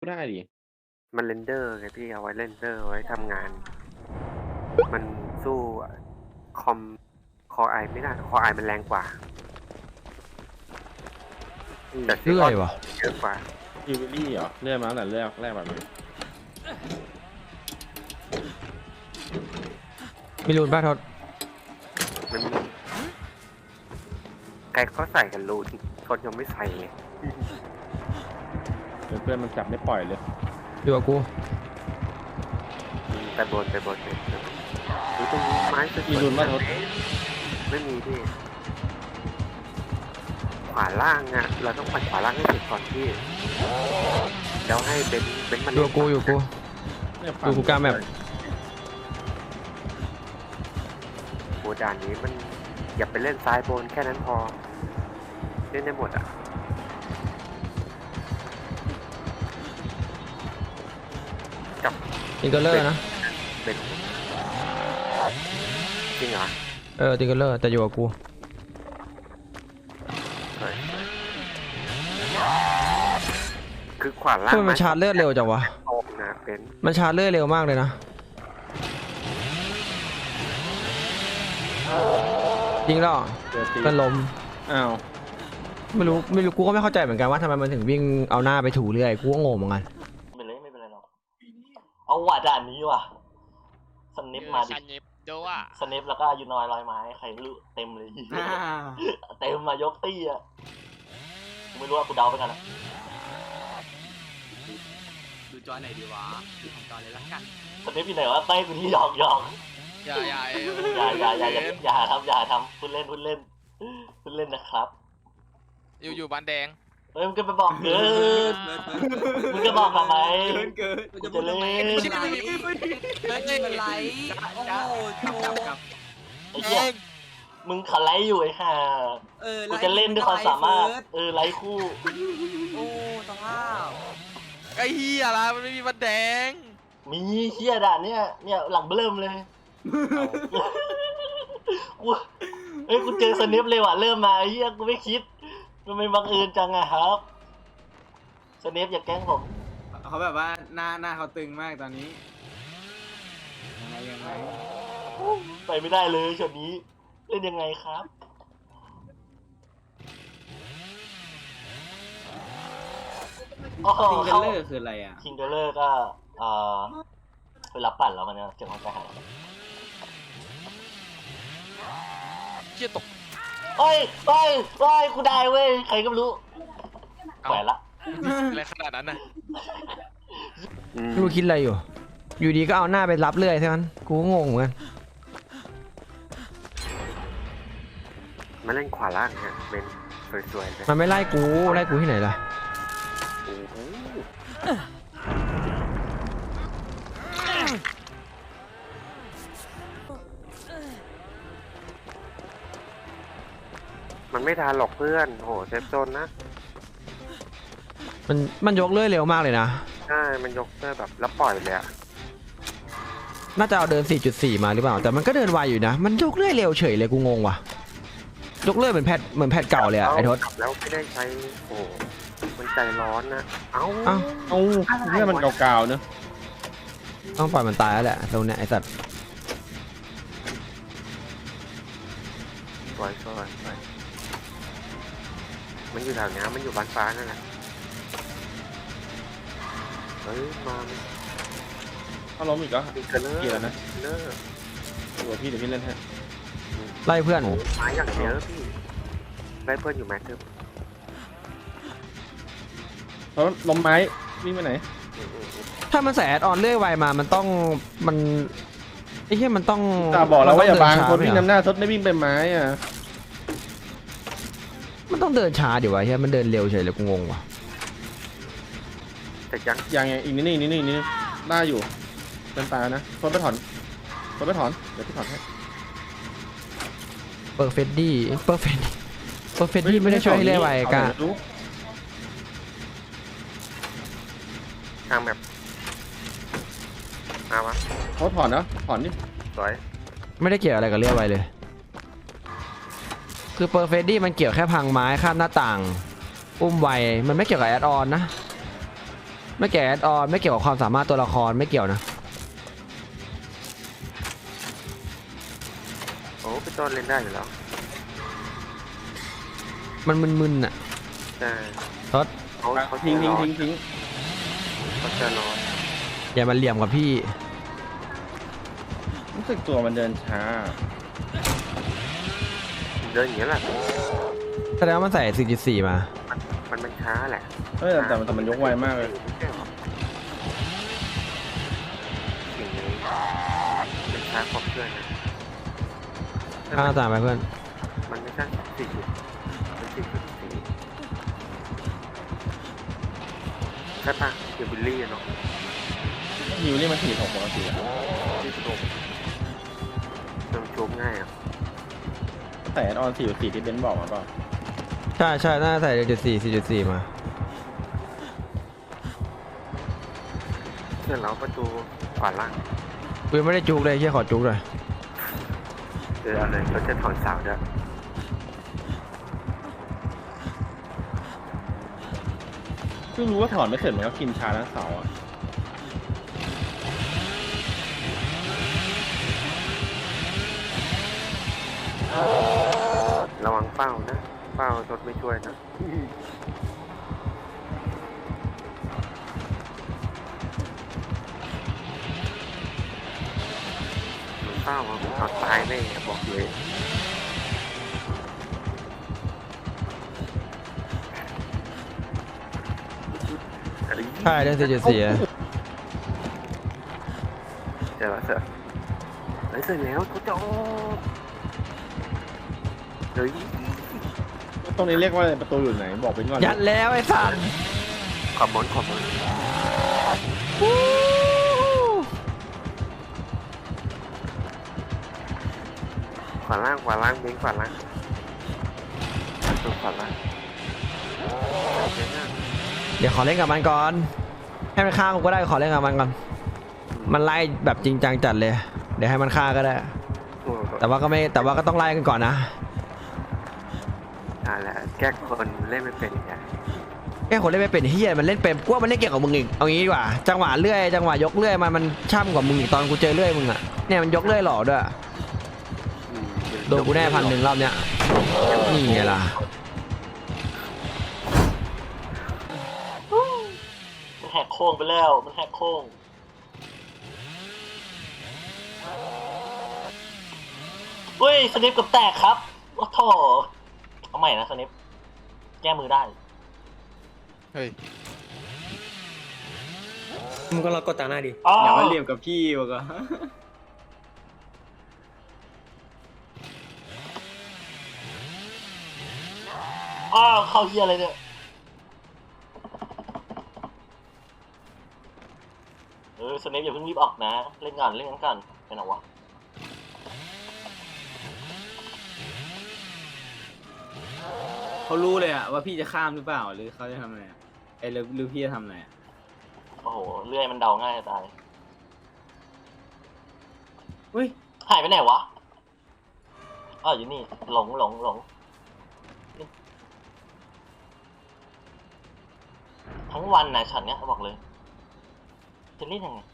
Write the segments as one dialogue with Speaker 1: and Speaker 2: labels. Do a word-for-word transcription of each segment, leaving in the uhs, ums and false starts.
Speaker 1: ได้ดิ
Speaker 2: มันเรนเดอร์ไงพี่เอาไว้เรนเดอร์ไว้ทำงาน มันสู้คอมคอไอไม่ได้คอไอมันแรงกว่าแต่
Speaker 3: เรื่อยวะ
Speaker 2: เยอะกว่า
Speaker 1: ยูบิลี่เหรอเลื่อนมาตั้งแต่แรกแรกแบบนี้
Speaker 3: มีรูนป้าทศ
Speaker 2: มันใครเขาใส่กันรูนคนยังไม่ใส่เลย
Speaker 1: เพื่อนมันจับไม่ปล่อยเลย
Speaker 3: อยู่กับกู
Speaker 2: ไปบนไปบนเลยดูตรงไม้
Speaker 1: มีรูนมาทศ
Speaker 2: ไม่มีพี่ขวาล่างอ่ะเราต้องปัดขวาล่างให้เสร็จก่อนพี่แล้วให้เบนเบนมัน
Speaker 3: อยู่กูอยู่กูอยู่กูกล้าแมป
Speaker 2: โบด่านนี้มันอย่าไปเล่นซ้ายบนแค่นั้นพอเล่นได้หมดอ่ะกับ
Speaker 3: ติงเกอร์เลอร์นะ
Speaker 2: เป็นจริงเหรอ
Speaker 3: เออติงเกอร์เลอร์แต่อยู่กับกู
Speaker 2: คือขวาล่าง
Speaker 3: มันชาร์จเลือดเร็วจังวะมันชาร์จเลือดเร็วมากเลยนะจริงหรอเป็นลม
Speaker 1: อ้าว
Speaker 3: ไม่รู้ไม่รู้กูก็ไม่เข้าใจเหมือนกันว่าทำไมมันถึงวิ่งเอาหน้าไปถูเรื่อยกูก็งงเหมือนกัน
Speaker 4: ไม่เป็นไรไม่เป็นไรหรอกเอาว่ะด่านนี้ว่ะสเนปมาดิ
Speaker 5: สเนปโดว่ะ
Speaker 4: สเนปแล้วก็ยูนอยลอยไม้ใครรู้เต็มเลยเต็มมายกตี้อ่ะไม่รู้ว่ากูเดาไปกันอ่ะ
Speaker 5: ดูจอไหนดีวะจอเลยละกัน
Speaker 4: สเนปอยู่ไหนวะเต้กูที่หยอกหยอก
Speaker 5: อย่าอย่า
Speaker 4: อย่าอย่าอย่าอย่าทำอย่าทำพูดเล่นพูดเล่นพูดเล่นนะครับ
Speaker 5: อยู่อยู่บ้านแดง
Speaker 4: เฮ้ยมึงก็ไปบอกเกินมึงก็บอกทำไม
Speaker 5: เกินเกิน
Speaker 4: จะจะเล่น
Speaker 5: ไม่ใช่ไม่เป็นไรโอ้โหจับกับ
Speaker 4: ไอ้เหี้ยมึงขันไลฟ์อยู่ไอ้ห่ากูจะเล่นด้วยความสามารถเออไลฟ์คู่
Speaker 5: โอ้สภาพไอ้เหี้ยละมันไม่มีบ้านแดง
Speaker 4: มีเหี้ยด่านเนี่ยเนี่ยหลังเบิ่มเลยกูเฮ้ยกูเจอสเนปเลยว่ะเริ่มมาไอ้เหี้ยกูไม่คิดมันไม่บังเอิญจังอะครับสเนปอย่าแกล้งผม
Speaker 6: เขาแบบว่าหน้าหน้าเขาตึงมากตอนนี้ยังไงยังไง
Speaker 4: ไปไม่ได้เลยช็อตนี้เล่นยังไงครับ
Speaker 6: คิงเกอร์เลอร์คืออะไรอ่ะ
Speaker 4: คิงเกอร์เลอร์ก็เอ่อเวลาปั่นแล้วมันจะเจ็บหัวใจหาย
Speaker 5: เชี่ยตก
Speaker 4: เฮ้ยเฮ้ยเฮ้ยกูได้เว้ยใครก็ไม่รู้แขวนละ
Speaker 5: อะไรขนาดนั้นน่ะ
Speaker 3: รู้คิดอะไรอยู่อยู่ดีก็เอาหน้าไปรับเรื่อยใช่ไหมกูงงเหมือนกัน
Speaker 2: มาเล่นขวาล่างฮะเป็นสวยๆเลย
Speaker 3: มันไม่ไล่กูไล่กูที่ไหนล่ะ
Speaker 2: มันไม่ทันหรอกเพื่อนโหเซฟโซนนะ
Speaker 3: มันมันยกเลื่อยเร็วมากเลยนะ
Speaker 2: ใช่มันยกเลื่อยแบบแล้วปล่อยเลยอะ
Speaker 3: น่าจะเอาเดิน สี่จุดสี่ มาหรือเปล่าแต่มันก็เดินไวอยู่นะมันยกเลื่อยเร็วเฉยเลยกูงงว่ะยกเลื่อยเหมือนแพทเหมือนแพทเก่าเลยอะไอ้ทศ
Speaker 2: แล้วไม่ได้ใช้โอ้มันใจร้อนนะเอ้า
Speaker 3: เอ้า
Speaker 1: เอ้าเรื่องมันเก่าๆเนอะ
Speaker 3: ต้องปล่อยมันตายแล้วแหละตรงเนี้ยไอ้สัตว์
Speaker 2: สวยสวยสวยมันอยู่แถวนี้มันอยู่บ้านฟ้านั่นแหละเฮ้ยมา
Speaker 1: ถ้าล้มอีกก็
Speaker 2: เกี่ยว
Speaker 1: แล้วนะเลิกตัวพี่เดี๋ยวพี่เล่นให้
Speaker 3: ไล่เพื่อน
Speaker 2: ไม้อย่างเยอะพี่ไล่เพื่อนอยู่แม็กซ์
Speaker 1: เพราะล้มไม้วิ่งไปไหน
Speaker 3: ถ้ามันใส่แอดออนเรื่อยไวมามันต้องมันไอ้เหี้ยมันต้อง
Speaker 1: ตาบอกแล้วว่าอย่าบางคนวิ่งนำหน้าทดไม่วิ่งไปไม้อ่ะ
Speaker 3: มันต้องเดินช้าดิวะเฮ้ยมันเดินเร็วเฉยเลยกูงงว่ะ
Speaker 2: แต่ยัง
Speaker 1: ยังไงอีกนิดนี่นี่นี่นี่ได้อยู่เป็นตานะทดไปถอนทดไปถอนเดี๋ยวพี่ถอนให้
Speaker 3: เปอร์เฟดดี้เปอร์เฟดเปอร์เฟดดี้ไม่ได้ช่วยให้เรื่อยไวกะ
Speaker 2: ทางแบบเอาวะ
Speaker 1: เขาถอนนะถอนนี่
Speaker 2: สวย
Speaker 3: ไม่ได้เกี่ยวอะไรกับเรื่อยไวเลยคือเปอร์เฟดดี้มันเกี่ยวแค่พังไม้ข้ามหน้าต่างอุ้มไวมันไม่เกี่ยวกับแอดออนนะไม่เกี่ยวแอดออนไม่เกี่ยวกับความสามารถตัวละครไม่เกี่ยวนะ
Speaker 2: โอ้พี่ต้นเล่นได้อยู่แล้ว
Speaker 3: มันมึนๆอ่ะ
Speaker 2: แต่
Speaker 3: ทศ
Speaker 2: เขาเขา
Speaker 1: ทิ้งทิ้ง
Speaker 2: จะรอ
Speaker 1: ทิ้งทิ้ง
Speaker 2: เขาจะรอ
Speaker 3: อย่ามาเหลี่ยมกับพี่
Speaker 1: รู้สึกตัวมันเดินช้า
Speaker 2: เดินอย่างนี้ยแหละ
Speaker 3: แสดงว่ามันใส่ สี่จุดสี่ มา
Speaker 2: มันมันช้าแหละ
Speaker 1: เฮ้ยแต่แต่แต่มันยกไวมากเลย
Speaker 2: ไม่ใช่หรอสิ่งนี้มันช้ากว่าเพื่อนนะ
Speaker 3: ข้างหน้าต่างไปเพื่อน
Speaker 2: มันไม่ใช่สี่จุดมันสี่จุดสี่ใช่ปะเกี่ยวบิลลี่อะเนาะ
Speaker 1: ฮิวนี่มันสี่หกปกติอะ
Speaker 2: ที่สุดเติมชุบง่ายอ่ะ
Speaker 1: แต่ออนสี่สี่ที่เบนซ์บอกมาเปล่า
Speaker 3: ใช่ใช่น่าใส่ สี่จุดสี่ สี่จุดสี่ มา
Speaker 2: เพื่อนเราประตูขวาล่าง
Speaker 3: กูยังไม่ได้จุกเลยเชี่ยขอจุกเลย
Speaker 2: เออเอาเลยเราจะถอนเสาด้วย
Speaker 1: เพิ่งรู้ว่าถอนไม่เสร็จมันก็กินชาทั้งเสาอะ
Speaker 2: ระวังเป้านะเป้ารถไม่ช่วยนะมันเป้าอะผมเอาตายแน่บอกเลยอะไร
Speaker 3: ใช่ได้ สี่จุดสี่
Speaker 2: เดี๋ยวเสร็จเฮ้ยเสร็จแล้วทุกจบเฮ้ย
Speaker 1: ตรงนี้เรียกว่าอะไรประตูอยู่ไหนบอกเป็นก่อน
Speaker 3: ยัดแล้วไอ้สัน
Speaker 2: ขอบมนขอบมนขวาล่างขวาล่างเบ้งขวาล่างประตูขวาล่างเบ้งอ่ะ
Speaker 3: เดี๋ยวขอเล่นกับมันก่อน ให้มันฆ่ากูก็ได้ขอเล่นกับมันก่อน มันไล่แบบจริงจังจัดเลย เดี๋ยวให้มันฆ่าก็ได้
Speaker 2: โอ้โห
Speaker 3: แต่ว่าก็ไม่แต่ว่าก็ต้องไล่กันก่อนนะ
Speaker 2: อ่าแหละแก้คนเล่นไม่เป็นไง
Speaker 3: แค่คนเล่นไม่เป็นเฮียมันเล่นเป็นกูว่ามันเล่นเก่งกว่ามึงอีกเอางี้ดีกว่าจังหวะเลื่อยจังหวะยกเลื่อยมันมันช่ำกว่ามึงอีกตอนกูเจอเลื่อยมึงอ่ะเนี่ยมันยกเลื่อยหล่อด้วย
Speaker 2: อืม
Speaker 3: โดนกูแน่พันหนึ่งรอบเนี้ยนี่ไงล่ะ
Speaker 4: มันแหกโค้งไปแล้วมันแหกโค้งเฮ้ยสนิปกับแตกครับโอ้โถเอาใหม่นะสนิปแก้มือได้
Speaker 5: เฮ้ย
Speaker 7: มึงก็รอกดตาหน้าดิ
Speaker 4: อ๋อ
Speaker 6: อย่ามาเหลี่ยมกับพี่วะก็
Speaker 4: อ้าวเข้าเฮียอะไรเนี่ยเออสนิปอย่าเพิ่งรีบออกนะเล่นก่อนเล่นกันก่อนไปไหนวะ
Speaker 6: เขารู้เลยอะว่าพี่จะข้ามหรือเปล่าหรือเขาจะทำอะไรอะไอ้หรือหรือพี่จะทำอะไรอะ
Speaker 4: โอ้โหเลื่อยมันเดาง่ายจะตาย
Speaker 6: เฮ้ย
Speaker 4: หายไปไหนวะอ้าวอยู่นี่หลงหลงหลงทั้งวันนะช็อตเนี้ยบอกเลยจะเล่นยังไง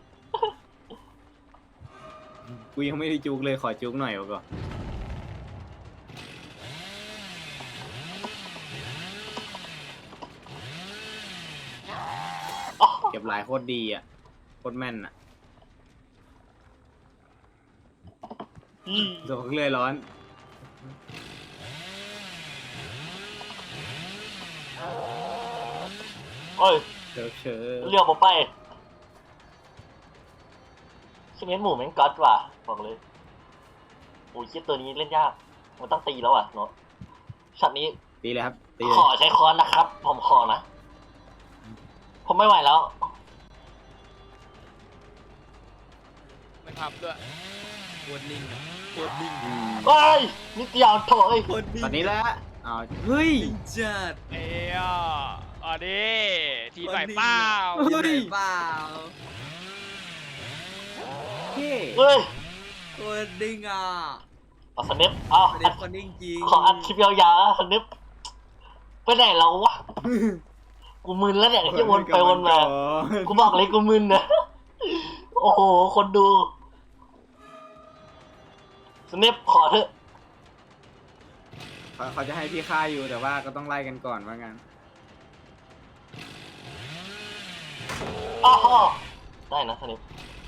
Speaker 6: กูยังไม่ได้จุกเลยขอจุกหน่อยวะก็
Speaker 4: อ๋อ
Speaker 6: เก็บหลายโคตรดีอะโคตรแม่นอะ
Speaker 4: อืม
Speaker 6: โดนเลยร้อน
Speaker 4: โอ้ย
Speaker 6: เชิญเชิญ
Speaker 4: เลี้ยวผมไปชิเมนหมูแม่งก๊อตว่ะบอกเลยโอ้ยคิดตัวนี้เล่นยากมันต้องตีแล้วอ่ะเนาะช็อตนี้
Speaker 6: ตีเลยครับตีเลย
Speaker 4: ขอใช้ค้อนนะครับ ผมขอนะ ผมไม่ไหวแล้ว
Speaker 5: ไม่ทำด้วยปวดนิ่งอะปวดนิ่ง
Speaker 6: อืม
Speaker 4: เอ้ยนิดเดียวโถเอ้ย
Speaker 5: ปวดนิ่ง
Speaker 6: ตอนนี้แหละอ้าวเฮ้ย
Speaker 5: จัดเอ้ยอ่ะอ่ะดิทีมไหนเปล่า
Speaker 6: เฮ้ย
Speaker 7: เปล่า
Speaker 6: เฮ้
Speaker 4: เฮ้ย
Speaker 7: ตัวดิ้งอ่ะ
Speaker 4: เอาสนิปเอา
Speaker 7: ประ
Speaker 4: อั
Speaker 7: เด็
Speaker 4: ด
Speaker 7: นคนดิ้งจริง
Speaker 4: ขออัดคลิปยาวๆนะสนิปไปไหนแล้ววะกูมึนแล้วเนี่ยที่วนไปวนมากูบอกเลยกูมึนนะโอ้โหคนดูสเนปขอเถอะ
Speaker 6: เขาเขาจะให้พี่ฆ่าอยู่แต่ว่าก็ต้องไล่กันก่อนว่างั้น
Speaker 4: อ้าวได้นะสเนป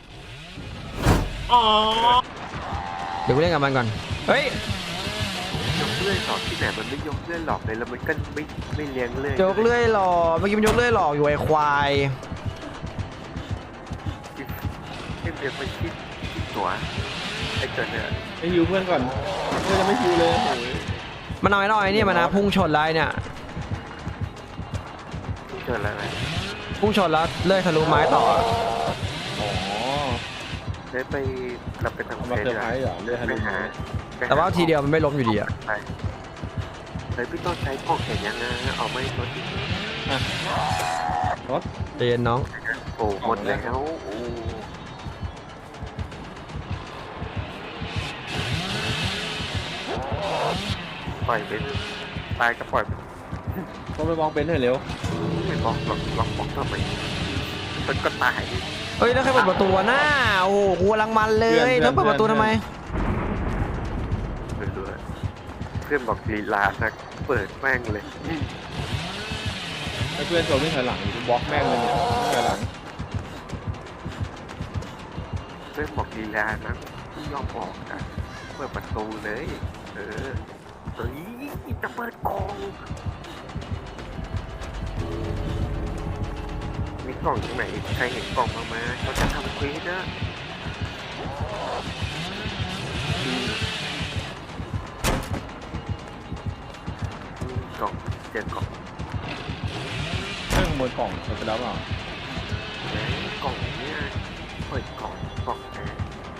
Speaker 4: อ๋อ
Speaker 3: เดี๋ยวกูเล่นกับมันก่อน เฮ้ย
Speaker 2: ยกเลื่อยหลอกที่ไหนมันไม่ยกเลื่อยหลอกเลยแล้วมันก็ไม่ไม่เลี้ยงเลื่อย
Speaker 3: ยกเลื่อยหลอกเมื่อกี้มันยกเลื่อยหลอกอยู่ไอ้ควาย
Speaker 2: เล่นเดือดไปคิดคิดตัวไอ้เกิดเนี่ย
Speaker 1: ไปฮิวเพื่อนก่อนเพื่อนจะไม่ฮิวเลยโอ้ย
Speaker 3: มันเอาไอ้น้อยเนี่ยมันนะพุ่งชนแล้วไอ้เนี่ย
Speaker 2: เกิดอะไรไหม
Speaker 3: พุ่งชนแล้วเลื่อยทะลุไม้ต่อ
Speaker 1: อ๋อ
Speaker 2: ได้ไปเราไปทำ
Speaker 1: เอามาเซอร์ไพรส์เหรอเลือดให้
Speaker 2: ไป
Speaker 1: ดู
Speaker 2: หา
Speaker 3: แต่ว่าทีเดียวมันไม่ล้มอยู่ดีอะ
Speaker 2: ไปเฮ้ยพี่ต้นใช้พวกเห็นยังไงเอาไม่รถ
Speaker 1: รถ
Speaker 3: เย็นน้อง
Speaker 2: โอ้หมดแล้วโอ้ปล่อยไปตายก็ปล่อยไป
Speaker 1: ต้องไปมองเป็นให้เร็ว
Speaker 2: ไม่บอกหรอกหรอกบอกทำไมมันก็ตาย
Speaker 3: เฮ้ยแล้วใครเปิดประตูหน้าโอ้โหกูกำลังมันเลยต้องเปิดประตูทำไม
Speaker 2: เรื่อยๆเพื่อนบอกลีลานะเปิดแม่งเลย
Speaker 1: ให้เพื่อนโจมไม่ถอยหลังบล็อกแม่งเลยเนี่ยถอยหลัง
Speaker 2: เพื่อนบอกลีลานะไม่ยอมบอกนะเปิดประตูเลยเออเฮ้ยจะเปิดกล่องมีกล่องตรงไหนใครเห็นกล่องบ้างไหมเขาจะทำเควสนะอืมกล่องเจอกล่อง
Speaker 1: เรื่องบนกล่องเปิดไปแล้วเปล่า
Speaker 2: เอ้ยกล่องเนี่ยเปิดกล่องกล่องนะ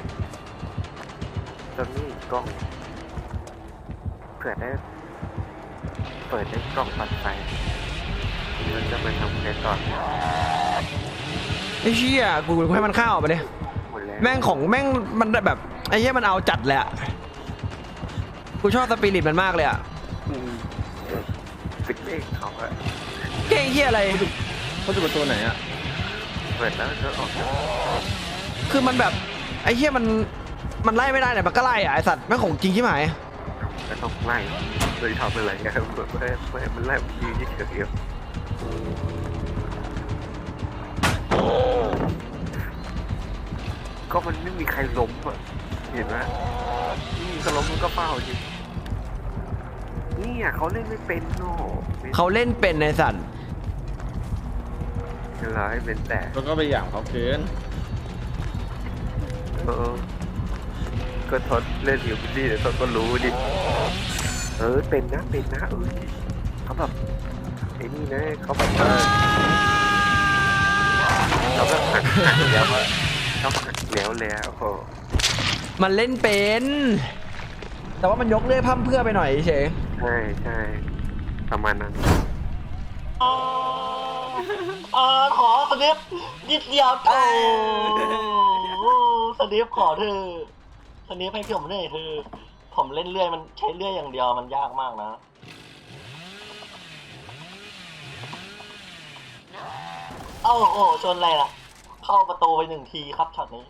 Speaker 2: ตอนนี้กล่องเผื่อได้เปิดได้กล่องปัดไฟมันจะมาทำในต่อ
Speaker 3: ไอ้เชี่ยกูกูให้มันเข้าไปเลย
Speaker 2: หมดแล้ว
Speaker 3: แม่งของแม่งมันแบบไอ้เหี้ยมันเอาจัดเลยอะกูชอบสปิริตมันมากเลยอะ
Speaker 2: อืมปิดเองเขาอะ
Speaker 3: เก่งเหี้ยอะไร
Speaker 1: เขาจะเป็นตัวไหนอ่ะ
Speaker 2: เปิดแล้วก็ออก
Speaker 3: คือมันแบบไอ้เหี้ยมันมันไล่ไม่ได้เนี่ยมันก็ไล่อะไอ้สัตว์แม่งของจริงที่หมาย
Speaker 2: ก็ต้องไล่เลยทำอะไรกันเพื่อเพื่อเพื่อมันไล่มันยืนเฉยๆก็มันไม่มีใครล้มอ่ะเห็นไหมนี่ก็ล้มมันก็เฝ้าจริงนี่อ่ะเขาเล่นไม่เป็นโน่
Speaker 3: เขาเล่นเป็นในสัตว์
Speaker 2: เราให้เป็นแต่
Speaker 1: แล้วก็ไปหยามเขาเกิน
Speaker 2: เออก็ทดเล่นอยู่พี่เดี๋ยวทดก็รู้ดิเออเป็นนะเป็นนะเออเขาแบบไอ้นี่นะเขาแบบว่าเขาแบบหักหักแล้วอะเขาหักแล้วแล้วโอ้
Speaker 3: มันเล่นเป็น แต่ว่ามันยกเลื่อยพั่มเพื่อไปหน่อยเฉย
Speaker 2: ใช่ใช่ประมาณนั้น
Speaker 4: อ๋ออ๋อขอสเนปนิดเดียวโอ้สเนปขอเธอสเนปให้ผมหน่อยเธอผมเล่นเลื่อยมันใช้เลื่อยอย่างเดียวมันยากมากนะเอ้าโอ้ชนอะไรล่ะเข้าประตูไปหนึ่งทีครับช็อตนี้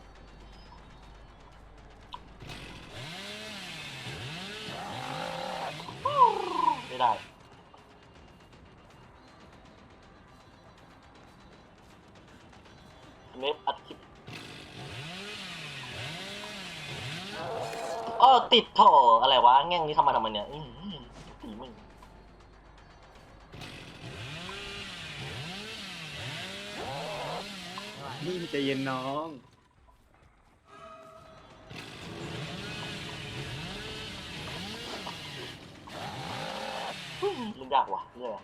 Speaker 4: ไม่ได้เนฟอัดคลิปอ้อติดโถอะไรวะแง่งนี้ทำมาทำไมเนี่ยอื้อหือตีมึง
Speaker 6: นี่ใจเย็นน้อง
Speaker 4: เล่นยากว่ะเรื่อย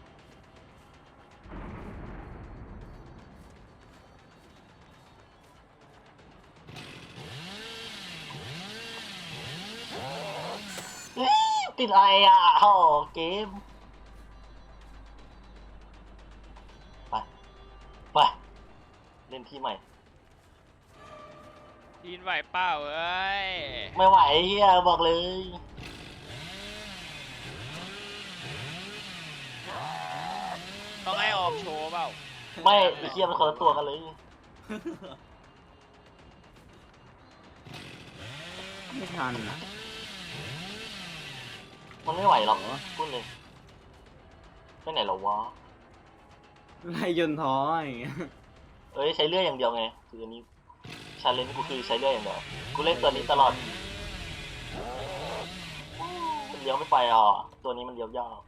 Speaker 4: ติดอะไรอ่ะโอ้เกมไปไปเล่นที่ใหม่
Speaker 5: ยินไหวเปล่าเอ้ย
Speaker 4: ไม่ไหวเฮียบอกเลย
Speaker 5: ต้องให้ออกโชว์เปล่า
Speaker 4: ไม่ไอ้เหี้ยมันคนละตัวกันเลย
Speaker 6: ไม่ทันอะ
Speaker 4: มันไม่ไหวหรอกพูดเลยไปไหนหรอวะ
Speaker 6: ไล่ยนต์ท้ออย่างเงี้ย
Speaker 4: เอ้ยใช้เลื่อยอย่างเดียวไงคืออันนี้ชาเลนจ์กูคือใช้เลื่อยอย่างเดียวกูเล่นตัวนี้ตลอดมันเลี้ยวไม่ไปอ่ะตัวนี้มันเลี้ยวยาก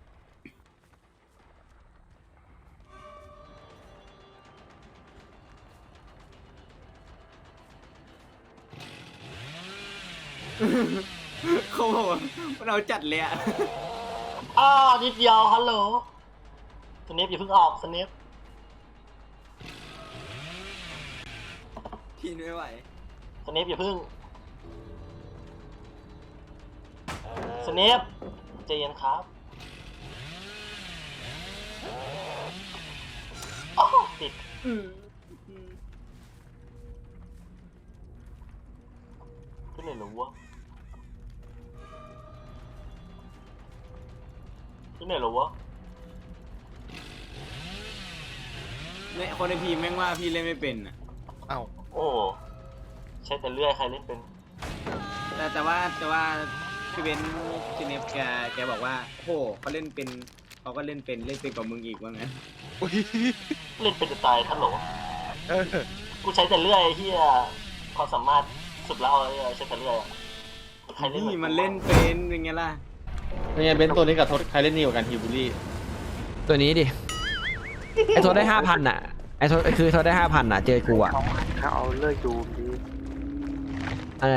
Speaker 6: เขาบอกว่ามันเอาจัดเลยอะ
Speaker 4: อ้านิดเดียวฮัลโหลสเนปอย่าเพิ่งออกสเนป
Speaker 5: ทีนไม่ไหว
Speaker 4: สเนปอย่าเพิ่งสเนปใจเย็นครับอ้าวติดขึ้นเลยเหรอวะขึ้นเลยเหรอวะ
Speaker 6: เนี่ยคนในพีมแม่งว่าพี่เล่นไม่เป็นอะ
Speaker 4: โอ้ใช้แต่เลื่อยใครเล่นเป็น
Speaker 6: แต่แต่ว่าแต่ว่าพี่เบนซ์ซีเนฟแกแกบอกว่าโอ้โหเขาเล่นเป็นเขาก็เล่นเป็นเล่นเป็นกว่ามึงอีกว่างั้น
Speaker 4: เล่นเป็นจะตายท่านโหลกูใช้แต่เลื่อยที่ความสามารถสุดแล้วไอ้ใช้แต่เลื่อยอะใครเล่นหอ
Speaker 6: นี่
Speaker 4: กู
Speaker 6: มันเล่นเป็นยังไงล่ะ
Speaker 1: เป็นไงเบนซ์ตัวนี้กับทศใครเล่นดีกว่ากันฮิวบุลี่
Speaker 3: ตัวนี้ดิ ไอ้โทษได้ห้าพันอ่ะ ไอ้โทษคือโทษได้ห้าพันอ่ะ เจอกูอ่ะ
Speaker 2: เขาเขาเอาเลื่อยดูมดี
Speaker 3: อะไร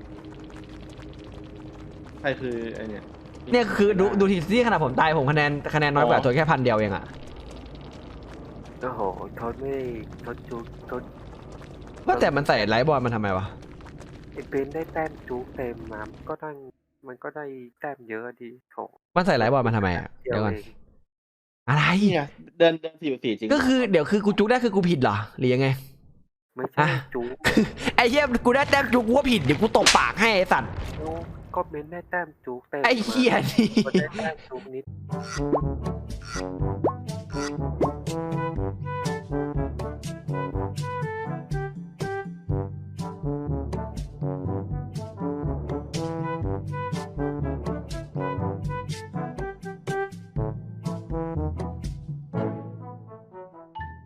Speaker 1: ใครคือไอเนี่ย
Speaker 3: เนี่ยคือดูดูทีซี่ขนาดผมตายผมคะแนนคะแนนน้อยกว่าตัวแค่พันเดียวเองอ่ะ
Speaker 2: โอ้โหทศไม่ทศจูทศ
Speaker 3: ว่าแต่มันใส่ไลท์บอลมันทำไมวะ
Speaker 2: ไอ้เบนได้แต้มจูเต็มมามันก็ได้มันก็ได้แต้มเยอะดีโถ
Speaker 3: มันใส่ไลท์บอลมันทำไมอ่ะ
Speaker 2: เดีย
Speaker 3: เดี๋ยว
Speaker 2: ว
Speaker 3: ก่อน
Speaker 2: เอง
Speaker 3: อะไร
Speaker 1: เนี่ยเดินเดินสี่สี่จริง
Speaker 3: ก็คือเดี๋ยวคือกูจุกได้คือกูผิดเหรอ หรือยังไง
Speaker 2: ไม่ใช่
Speaker 3: อ่ะ
Speaker 2: จู
Speaker 3: ไอ้เหี้ยกูได้แต้มจุกกูว่าผิดเดี๋ยวกูตบปากให้ไอ้สัตว์
Speaker 2: ก็เบนได้แต้มจูเต็ม
Speaker 3: ไอ้เหี้ยนี่
Speaker 2: มันได้แต้มจูนิด